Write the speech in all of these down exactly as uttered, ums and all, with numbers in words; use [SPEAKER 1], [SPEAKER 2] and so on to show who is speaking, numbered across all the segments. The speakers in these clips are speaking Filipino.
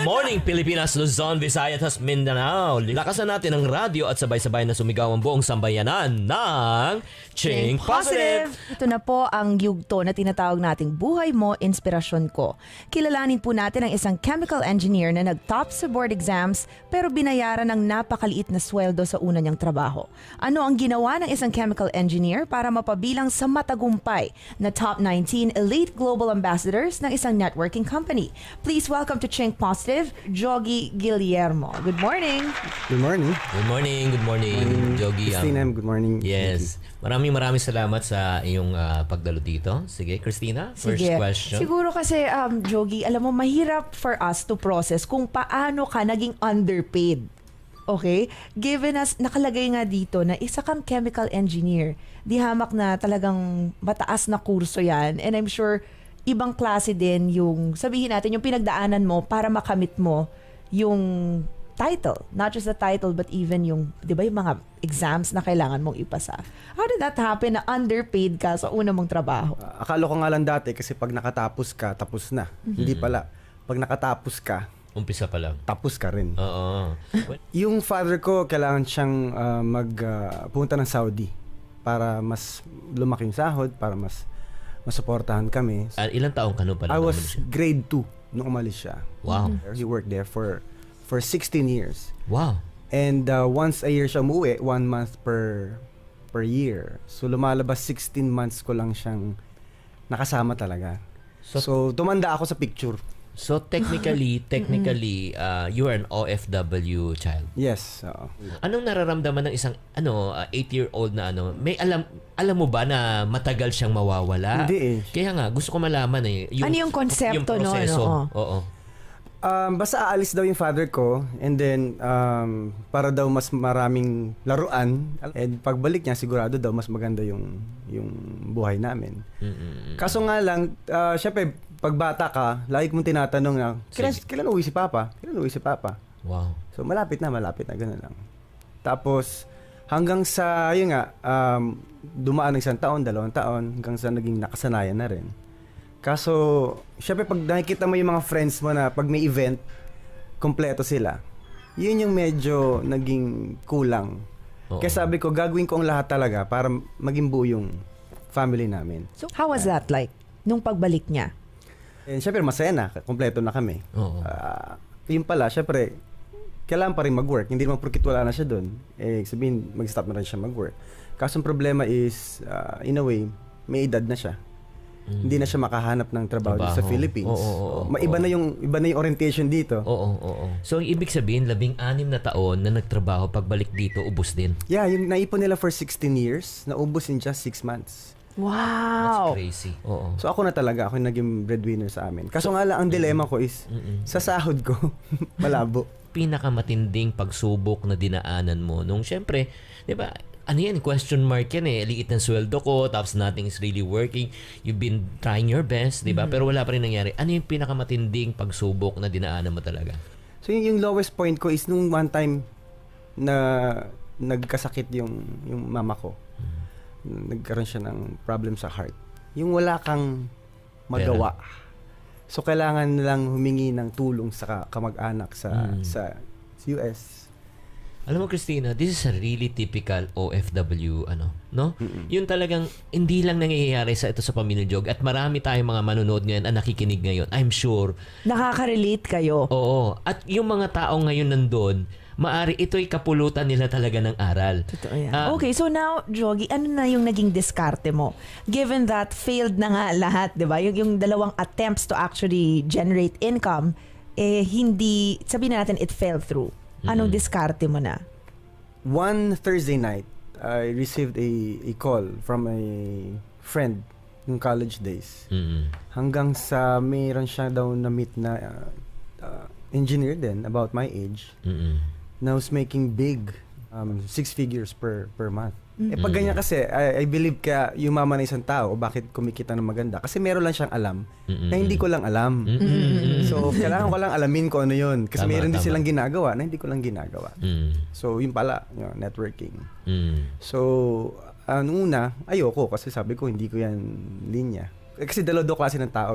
[SPEAKER 1] morning, Pilipinas, Luzon, Visayas, at Mindanao. Lakasan natin ang radyo at sabay-sabay na sumigaw ang buong sambayanan ng Ching Positive!
[SPEAKER 2] Ito na po ang yugto na tinatawag nating Buhay Mo, Inspirasyon Ko. Kilalanin po natin ang isang chemical engineer na nag-top sa board exams pero binayaran ng napakaliit na sweldo sa una niyang trabaho. Ano ang ginawa ng isang chemical engineer para mapabilang sa matagumpay na top nineteen elite global ambassadors ng isang networking company? Please welcome to Ching Positive, Jogi Guillermo. Good morning.
[SPEAKER 3] Good morning.
[SPEAKER 1] Good morning, good morning, Jogi.
[SPEAKER 3] Christina, good morning.
[SPEAKER 1] Yes. Maraming maraming salamat sa iyong uh, pagdalo dito. Sige, Christina, first
[SPEAKER 2] Sige.
[SPEAKER 1] question.
[SPEAKER 2] Siguro kasi, um, Jogi, alam mo, mahirap for us to process kung paano ka naging underpaid. Okay? Given us, nakalagay nga dito na isa kang chemical engineer. Di hamak na talagang mataas na kurso yan. And I'm sure ibang klase din yung, sabihin natin, yung pinagdaanan mo para makamit mo yung title. Not just the title, but even yung, di ba, yung mga exams na kailangan mong ipasa. How did that happen na underpaid ka sa una mong trabaho?
[SPEAKER 3] Uh, akala ko nga lang dati kasi pag nakatapos ka, tapos na. Mm-hmm. Hindi pala. Pag nakatapos ka,
[SPEAKER 1] umpisa pa lang.
[SPEAKER 3] Tapos ka rin.
[SPEAKER 1] Oo.
[SPEAKER 3] Yung father ko, kailangan siyang uh, mag, uh, pumunta ng Saudi para mas lumaki yung sahod, para mas masuportahan kami.
[SPEAKER 1] Uh, ilang taong ka no pala?
[SPEAKER 3] I was grade two nung umalis siya.
[SPEAKER 1] Wow.
[SPEAKER 3] Mm-hmm. He worked there for for sixteen years.
[SPEAKER 1] Wow.
[SPEAKER 3] And uh, once a year siya umuwi, one month per per year. So lumalabas sixteen months ko lang siyang nakasama talaga. So, so tumanda ako sa picture.
[SPEAKER 1] So technically, technically, uh, you are an O F W child.
[SPEAKER 3] Yes. Uh,
[SPEAKER 1] Anong nararamdaman ng isang ano uh, eight-year-old na ano? May alam alam mo ba na matagal siyang mawawala?
[SPEAKER 3] Hindi eh.
[SPEAKER 1] Kaya nga gusto ko malaman eh
[SPEAKER 2] yung, ano yung konsepto
[SPEAKER 1] yung proseso.
[SPEAKER 2] No?
[SPEAKER 1] No? Oo.
[SPEAKER 3] Um, basta aalis daw yung father ko and then um, para daw mas maraming laruan and pagbalik niya sigurado daw mas maganda yung yung buhay namin. Mm-mm. Kaso nga lang uh, syempre pag bata ka, lagi mong tinatanong na kailan, kailan uwi si Papa? Kailan uwi si Papa?
[SPEAKER 1] Wow.
[SPEAKER 3] So malapit na, malapit na, gano'n lang. Tapos hanggang sa, yun nga, um, dumaan ng isang taon, dalawang taon, hanggang sa naging nakasanayan na rin. Kaso, syempre pag nakikita mo yung mga friends mo na pag may event, kompleto sila, yun yung medyo naging kulang. Oo. Kaya sabi ko, gagawin ko ang lahat talaga para maging buo yung family namin.
[SPEAKER 2] So, how was that like, nung pagbalik niya?
[SPEAKER 3] And syempre masaya na, kompleto na kami.
[SPEAKER 1] Oo.
[SPEAKER 3] Uh, yun pala, syempre, kailangan pa rin mag-work. Hindi naman porkit wala na siya doon. Eh, sabihin, mag-stop na rin siya mag-work. Kaso ang problema is, uh, in a way, may edad na siya. Mm. Hindi na siya makahanap ng trabaho, trabaho. sa Philippines.
[SPEAKER 1] Oo, oo, oo,
[SPEAKER 3] Maiba
[SPEAKER 1] oo.
[SPEAKER 3] na yung iba na yung orientation dito.
[SPEAKER 1] Oo, oo, oo. So, ang ibig sabihin, labing-anim na taon na nagtrabaho, pagbalik dito, ubos din.
[SPEAKER 3] Yeah, yung naipon nila for sixteen years, naubos in just six months.
[SPEAKER 2] Wow!
[SPEAKER 1] That's crazy. Oo.
[SPEAKER 3] So ako na talaga, ako yung naging breadwinner sa amin. Kaso nga lang, ang dilemma ko is,
[SPEAKER 1] Mm-mm.
[SPEAKER 3] sa sahod ko, malabo.
[SPEAKER 1] Pinakamatinding pagsubok na dinaanan mo nung syempre, di ba, ano yan, question mark yan eh, liit ng sweldo ko, tapos nothing is really working, you've been trying your best, di ba, mm-hmm. pero wala pa rin nangyari. Ano yung pinakamatinding pagsubok na dinaanan mo talaga?
[SPEAKER 3] So yung, yung lowest point ko is nung one time na nagkasakit yung, yung mama ko. Nagkaroon siya ng problem sa heart. Yung wala kang magawa. Pera. So kailangan lang humingi ng tulong sa kamag-anak sa mm. sa U S.
[SPEAKER 1] Alam mo Christina, this is a really typical O F W ano, no?
[SPEAKER 3] Mm-mm.
[SPEAKER 1] Yun talagang hindi lang nangyayari sa ito sa Pamilya Jog at marami tayong mga manonood ngayon at nakikinig ngayon. I'm sure
[SPEAKER 2] nakaka-relate kayo.
[SPEAKER 1] Oo. At yung mga tao ngayon nandoon, maari ito'y kapulutan nila talaga ng aral.
[SPEAKER 2] Totoo yan. Uh, okay, so now, Jogi, ano na yung naging diskarte mo? Given that failed na nga lahat, di ba? Yung, yung dalawang attempts to actually generate income, eh hindi, sabihin na natin, it fell through. Anong mm-hmm. diskarte mo na?
[SPEAKER 3] One Thursday night, I received a, a call from a friend ng college days. Mm-hmm. Hanggang sa mayroon siya daw na-meet na uh, uh, engineer din about my age. Mm-hmm. Na was making big um, six figures per per month. Mm-hmm. Eh pag ganyan kasi, I, I believe kaya yumaman na isang tao o bakit kumikita ng maganda. Kasi meron lang siyang alam mm-hmm. na hindi ko lang alam. Mm-hmm. So, kailangan ko lang alamin ko ano yun. Kasi tama, meron din tama. silang ginagawa na hindi ko lang ginagawa. Mm-hmm. So, yun pala, you know, networking. Mm-hmm. So, uh, nung una, ayoko kasi sabi ko hindi ko yan linya. Eh, kasi dalawa klase ng tao eh.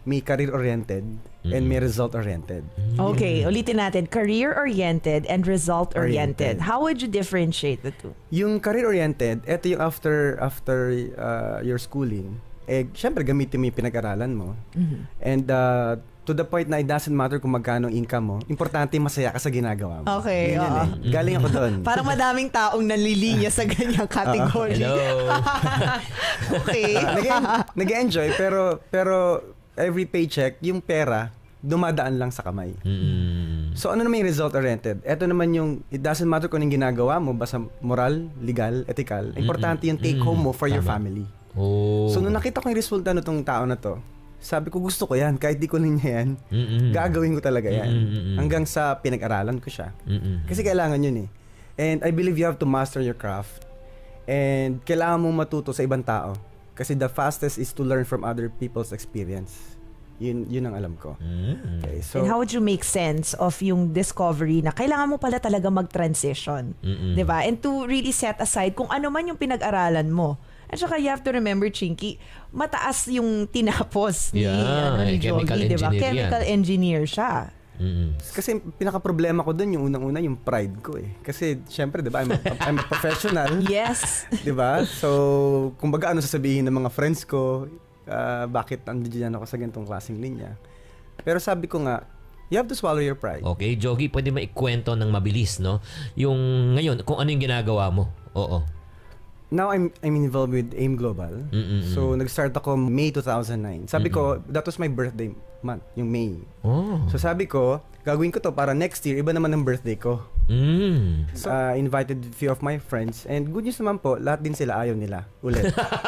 [SPEAKER 3] may career-oriented and may result-oriented.
[SPEAKER 2] Okay, ulitin natin. Career-oriented and result-oriented.
[SPEAKER 3] Oriented.
[SPEAKER 2] How would you differentiate the two?
[SPEAKER 3] Yung career-oriented, eto yung after after uh, your schooling, eh, syempre gamitin mo yung pinag-aralan mo.
[SPEAKER 2] Mm-hmm.
[SPEAKER 3] And uh, to the point na it doesn't matter kung magkano income mo, importante masaya ka sa ginagawa mo.
[SPEAKER 2] Okay,
[SPEAKER 3] Yun yun
[SPEAKER 2] oo.
[SPEAKER 3] eh. Galing ako doon.
[SPEAKER 2] Parang madaming taong nanlilinya sa ganyang category.
[SPEAKER 1] Hello.
[SPEAKER 2] Okay.
[SPEAKER 3] Uh, nag- nag-enjoy pero pero every paycheck, yung pera, dumadaan lang sa kamay.
[SPEAKER 1] Mm.
[SPEAKER 3] So ano naman yung result-oriented? Ito naman yung, it doesn't matter kung anong ginagawa mo, basta moral, legal, ethical. Importante yung take home mo for your
[SPEAKER 1] Tama.
[SPEAKER 3] family.
[SPEAKER 1] Oh.
[SPEAKER 3] So nung nakita ko yung resulta nitong tao na to, sabi ko gusto ko yan, kahit di ko niya yan,
[SPEAKER 1] Mm-mm.
[SPEAKER 3] gagawin ko talaga yan.
[SPEAKER 1] Mm-mm.
[SPEAKER 3] Hanggang sa pinag-aralan ko siya.
[SPEAKER 1] Mm-mm.
[SPEAKER 3] Kasi kailangan yun eh. And I believe you have to master your craft. And kailangan mong matuto sa ibang tao. Kasi the fastest is to learn from other people's experience. Yun, yun ang alam ko.
[SPEAKER 1] Mm.
[SPEAKER 3] Okay, so,
[SPEAKER 2] And how would you make sense of yung discovery na kailangan mo pala talaga mag-transition?
[SPEAKER 1] Mm-mm.
[SPEAKER 2] Diba? And to really set aside kung ano man yung pinag-aralan mo. At saka you have to remember, Chinky, mataas yung tinapos ni,
[SPEAKER 1] Yeah,
[SPEAKER 2] ano, ni
[SPEAKER 1] eh, chemical
[SPEAKER 2] Jogi, diba?
[SPEAKER 1] engineer yan.
[SPEAKER 2] Chemical engineer siya.
[SPEAKER 1] Mm-mm.
[SPEAKER 3] kasi pinaka-problema ko dun, yung unang-una, yung pride ko eh. Kasi, syempre, di ba, I'm a, I'm a professional.
[SPEAKER 2] Yes.
[SPEAKER 3] Di ba? So, kumbaga, ano sasabihin ng mga friends ko, uh, bakit andiyan ako sa ganitong klaseng linya. Pero sabi ko nga, you have to swallow your pride.
[SPEAKER 1] Okay, Jogi, pwede maikwento ng mabilis, no? Yung ngayon, kung ano yung ginagawa mo. Oo.
[SPEAKER 3] Now, I'm I'm involved with AIM Global.
[SPEAKER 1] Mm-mm.
[SPEAKER 3] So, nag-start ako May two thousand nine. Sabi ko, that was my birthday month, yung May.
[SPEAKER 1] Oh.
[SPEAKER 3] So, sabi ko, gagawin ko to para next year, iba naman ang birthday ko.
[SPEAKER 1] Mm.
[SPEAKER 3] So, uh, invited a few of my friends. And good news naman po, lahat din sila ayaw nila. Ulit.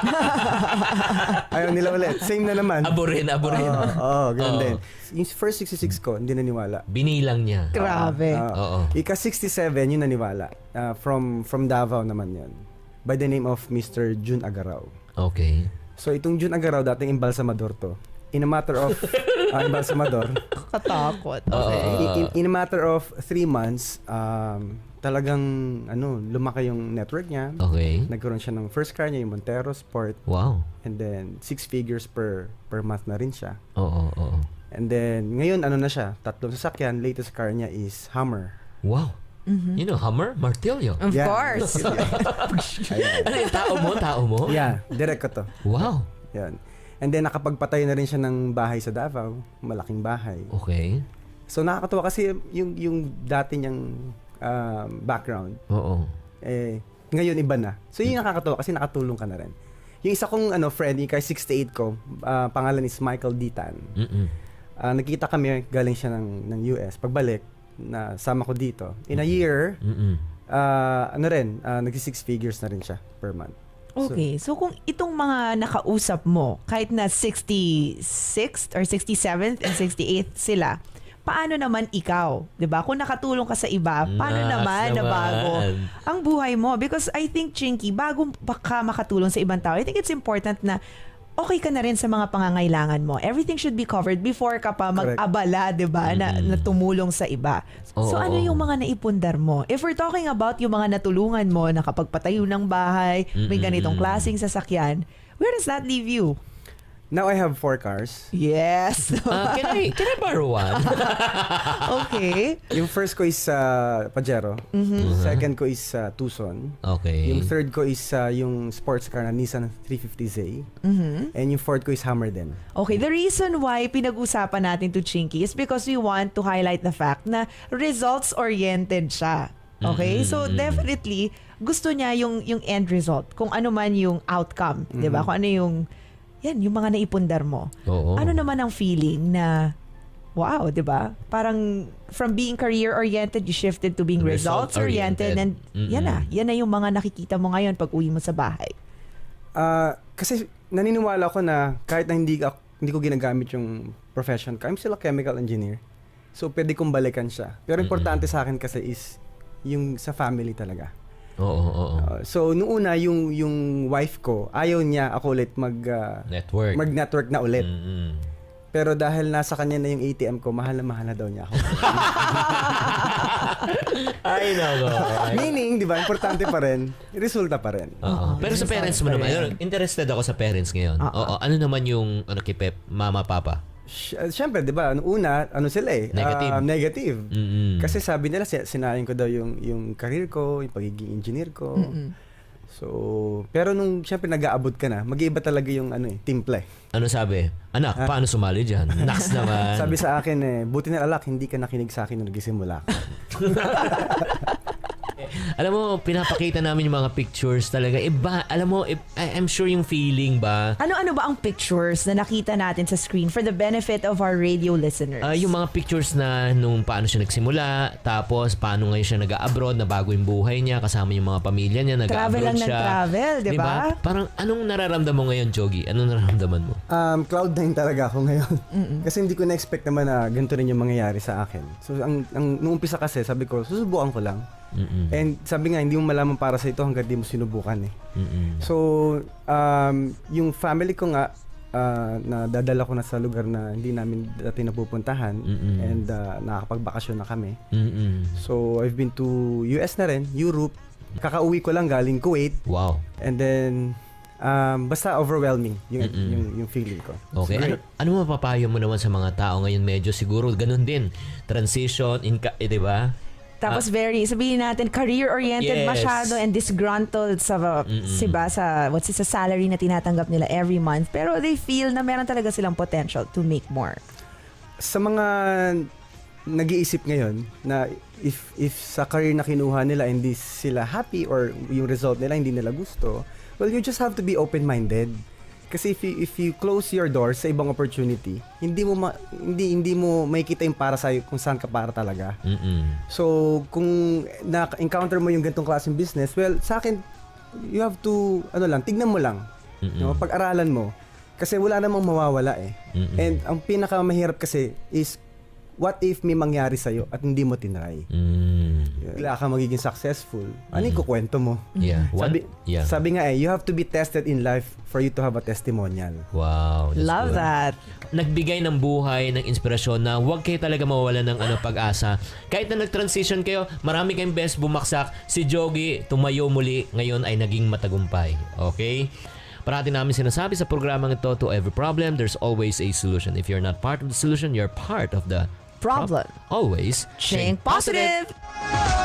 [SPEAKER 3] ayaw nila ulit. Same na naman.
[SPEAKER 1] Abo rin, abo rin.
[SPEAKER 3] Oo, oh, ganun
[SPEAKER 1] Oo.
[SPEAKER 3] din. Yung first sixty-six ko, hindi naniwala.
[SPEAKER 1] Binilang niya.
[SPEAKER 2] Grabe.
[SPEAKER 3] Ah,
[SPEAKER 1] Oo.
[SPEAKER 3] Ika sixty-seven, yun naniwala. Uh, from from Davao naman yun. By the name of Mister Jun Agaraw.
[SPEAKER 1] Okay.
[SPEAKER 3] So, itong Jun Agaraw, dating embalsamador to. In a matter of, uh, embalsamador.
[SPEAKER 2] Katakot.
[SPEAKER 1] Oo.
[SPEAKER 3] In, in, in a matter of three months, um, talagang, ano, lumaki yung network niya.
[SPEAKER 1] Okay.
[SPEAKER 3] Nagkaroon siya ng first car niya, yung Montero Sport.
[SPEAKER 1] Wow.
[SPEAKER 3] And then, six figures per per month na rin siya.
[SPEAKER 1] Oo, oo.
[SPEAKER 3] And then, ngayon, ano na siya? Tatlong sasakyan. Latest car niya is Hummer.
[SPEAKER 1] Wow. You know, Hummer, Martillo.
[SPEAKER 2] Of
[SPEAKER 3] Yeah.
[SPEAKER 2] course.
[SPEAKER 3] Ayan.
[SPEAKER 1] Ano yung tao mo? Tao mo?
[SPEAKER 3] Yeah, direct ko to.
[SPEAKER 1] Wow.
[SPEAKER 3] Yan. And then, nakapagpatay na rin siya ng bahay sa Davao. Malaking bahay.
[SPEAKER 1] Okay.
[SPEAKER 3] So, nakakatuwa kasi yung, yung dati niyang um, background,
[SPEAKER 1] Oo.
[SPEAKER 3] eh, ngayon iba na. So, yun yung nakakatuwa kasi nakatulong ka na rin. Yung isa kong ano, friend, yung kay sixty-eight ko, uh, pangalan is Michael Ditan.
[SPEAKER 1] Mm-mm.
[SPEAKER 3] Uh, nagkita kami, galing siya ng, ng U S. Pagbalik, na sama ko dito. In a year,
[SPEAKER 1] Mm-mm.
[SPEAKER 3] uh, ano rin, uh, nagsi-six figures na rin siya per month.
[SPEAKER 2] Okay, so kung itong mga nakausap mo, kahit na sixty-sixth or sixty-seventh and sixty-eighth sila, paano naman ikaw? 'Di ba? Kung nakatulong ka sa iba, paano
[SPEAKER 1] Nas
[SPEAKER 2] naman na
[SPEAKER 1] naman.
[SPEAKER 2] bago ang buhay mo? Because I think, Chinky, bago baka makatulong sa ibang tao, I think it's important na okay ka na rin sa mga pangangailangan mo. Everything should be covered before ka pa
[SPEAKER 3] Correct.
[SPEAKER 2] mag-abala, 'di ba, na, na tumulong sa iba. So
[SPEAKER 1] Oo,
[SPEAKER 2] ano
[SPEAKER 1] oo.
[SPEAKER 2] yung mga naipundar mo? If we're talking about yung mga natulungan mo, nakapagpatayo ng bahay, may
[SPEAKER 1] Mm-mm.
[SPEAKER 2] ganitong klaseng sasakyan, where does that leave you?
[SPEAKER 3] Now I have four cars.
[SPEAKER 2] Yes.
[SPEAKER 1] Ah, can I can I borrow one?
[SPEAKER 2] Okay.
[SPEAKER 3] Yung first ko is uh, Pajero. Second ko is uh, Tucson.
[SPEAKER 1] Okay.
[SPEAKER 3] Yung third ko is uh, yung sports car na Nissan three fifty Z.
[SPEAKER 2] Mhm.
[SPEAKER 3] And yung fourth ko is Hummer din.
[SPEAKER 2] Okay, the reason why pinag-usapan natin to Chinky is because we want to highlight the fact na results-oriented siya. Okay? So definitely gusto niya yung yung end result, kung ano man yung outcome, 'di ba? Kung ano yung yan, yung mga naipundar mo.
[SPEAKER 1] Oo.
[SPEAKER 2] Ano naman ang feeling na wow, 'di ba? Parang from being career-oriented, you shifted to being
[SPEAKER 1] Result-oriented.
[SPEAKER 2] results-oriented, and
[SPEAKER 1] Mm-mm.
[SPEAKER 2] yan na, yan na yung mga nakikita mo ngayon pag uwi mo sa bahay.
[SPEAKER 3] Uh, kasi naniniwala ko na kahit na hindi, ako, hindi ko ginagamit yung profession ko, I'm still a chemical engineer. So, pwede kong balikan siya. Pero importante sa akin kasi is yung sa family talaga.
[SPEAKER 1] Oo, oo, oo.
[SPEAKER 3] Uh, so, noong una, yung, yung wife ko, ayaw niya ako ulit mag, uh,
[SPEAKER 1] Network.
[SPEAKER 3] mag-network na ulit.
[SPEAKER 1] Mm-mm.
[SPEAKER 3] Pero dahil nasa kanya na yung A T M ko, mahal na mahal na daw niya ako.
[SPEAKER 1] Ay, nako.
[SPEAKER 3] Meaning, di ba, importante pa rin, resulta pa rin.
[SPEAKER 1] Oo. Pero sa parents mo naman,
[SPEAKER 3] Ayan.
[SPEAKER 1] ayun, interested ako sa parents ngayon.
[SPEAKER 2] Oo.
[SPEAKER 1] Oo. Ano naman yung ano kay Pep, mama, papa?
[SPEAKER 3] Sy- Siyempre, di ba, ano, una, ano sila eh?
[SPEAKER 1] Negative.
[SPEAKER 3] ah, negative.
[SPEAKER 1] Mm-mm.
[SPEAKER 3] Kasi sabi nila, si- sinayang ko daw yung, yung career ko, yung pagiging engineer ko.
[SPEAKER 2] Mm-mm.
[SPEAKER 3] So, pero nung siyempre nag-aabot ka na, mag-iiba talaga yung ano eh, timpla eh.
[SPEAKER 1] Ano sabi? Anak, paano sumali dyan? Naks naman.
[SPEAKER 3] Sabi sa akin eh, buti na alak, hindi ka nakinig sa akin nung nagsimula ka.
[SPEAKER 1] Alam mo, pinapakita namin yung mga pictures talaga. Iba, alam mo, i- I- I'm sure yung feeling ba,
[SPEAKER 2] Ano-ano ba ang pictures na nakita natin sa screen for the benefit of our radio listeners?
[SPEAKER 1] ah, yung mga pictures na nung paano siya nagsimula, tapos paano ngayon siya nag-abroad, na bago yung buhay niya, kasama yung mga pamilya niya,
[SPEAKER 2] Travel
[SPEAKER 1] nag-abroad
[SPEAKER 2] lang ng
[SPEAKER 1] siya.
[SPEAKER 2] travel, di ba?
[SPEAKER 1] Parang anong nararamdaman mo ngayon, Jogi? Anong nararamdaman mo?
[SPEAKER 3] Um, cloud nine talaga ako ngayon. Kasi hindi ko na-expect naman na ganito rin yung mangyayari sa akin. So, ang, ang nung umpisa kasi, sabi ko, susubukan ko lang.
[SPEAKER 1] Mm-mm.
[SPEAKER 3] And sabi nga, hindi mo malaman para sa ito hanggang di mo sinubukan eh.
[SPEAKER 1] Mm-mm.
[SPEAKER 3] So, um, yung family ko nga, uh, na dadala ko na sa lugar na hindi namin dati napupuntahan.
[SPEAKER 1] Mm-mm.
[SPEAKER 3] And uh, nakakapagbakasyon na kami.
[SPEAKER 1] Mm-mm.
[SPEAKER 3] So, I've been to U S na rin, Europe. Kakauwi ko lang galing Kuwait.
[SPEAKER 1] Wow.
[SPEAKER 3] And then, um, basta overwhelming yung,
[SPEAKER 1] Mm-mm.
[SPEAKER 3] yung, yung feeling ko.
[SPEAKER 1] Okay.
[SPEAKER 3] It's
[SPEAKER 1] Ano,
[SPEAKER 3] great.
[SPEAKER 1] ano mapapayo mo naman sa mga tao ngayon? Medyo siguro ganun din. Transition, inka, eh, di ba?
[SPEAKER 2] Tapos very, sabihin natin, career-oriented
[SPEAKER 1] Yes.
[SPEAKER 2] masyado and disgruntled sa,
[SPEAKER 1] Mm-mm.
[SPEAKER 2] siba, sa, what's it, sa salary na tinatanggap nila every month. Pero they feel na meron talaga silang potential to make more.
[SPEAKER 3] Sa mga nag-iisip ngayon na if if sa career na kinuha nila hindi sila happy or yung result nila hindi nila gusto, well, you just have to be open-minded. Kasi if you, if you close your doors sa ibang opportunity, hindi mo ma, hindi hindi mo makikita yung para sa kung saan ka para talaga.
[SPEAKER 1] Mm-mm.
[SPEAKER 3] So, kung na-encounter mo yung ganitong klaseng business, well, sa akin, you have to, ano lang, tignan mo lang.
[SPEAKER 1] Mm-mm.
[SPEAKER 3] No? Pag-aralan mo. Kasi wala namang mawawala eh.
[SPEAKER 1] Mm-mm.
[SPEAKER 3] And ang pinakamahirap kasi is, what if may mangyari sa'yo at hindi mo tinry?
[SPEAKER 1] Mm.
[SPEAKER 3] Bigla ka magiging successful. Ano yung kukwento mo?
[SPEAKER 1] Yeah. One,
[SPEAKER 3] Sabi,
[SPEAKER 1] yeah.
[SPEAKER 3] sabi nga eh, you have to be tested in life for you to have a testimonial.
[SPEAKER 1] Wow. that's
[SPEAKER 2] Love
[SPEAKER 1] good.
[SPEAKER 2] that.
[SPEAKER 1] Nagbigay ng buhay, ng inspirasyon na huwag kayo talaga mawawalan ng ano, pag-asa. Kahit na nag-transition kayo, marami kayong best bumagsak. Si Jogi, tumayo muli, ngayon ay naging matagumpay. Okay? Parati namin sinasabi sa programang ito, to every problem, there's always a solution. If you're not part of the solution, you're part of the
[SPEAKER 2] Problem.
[SPEAKER 1] Always
[SPEAKER 2] Think positive.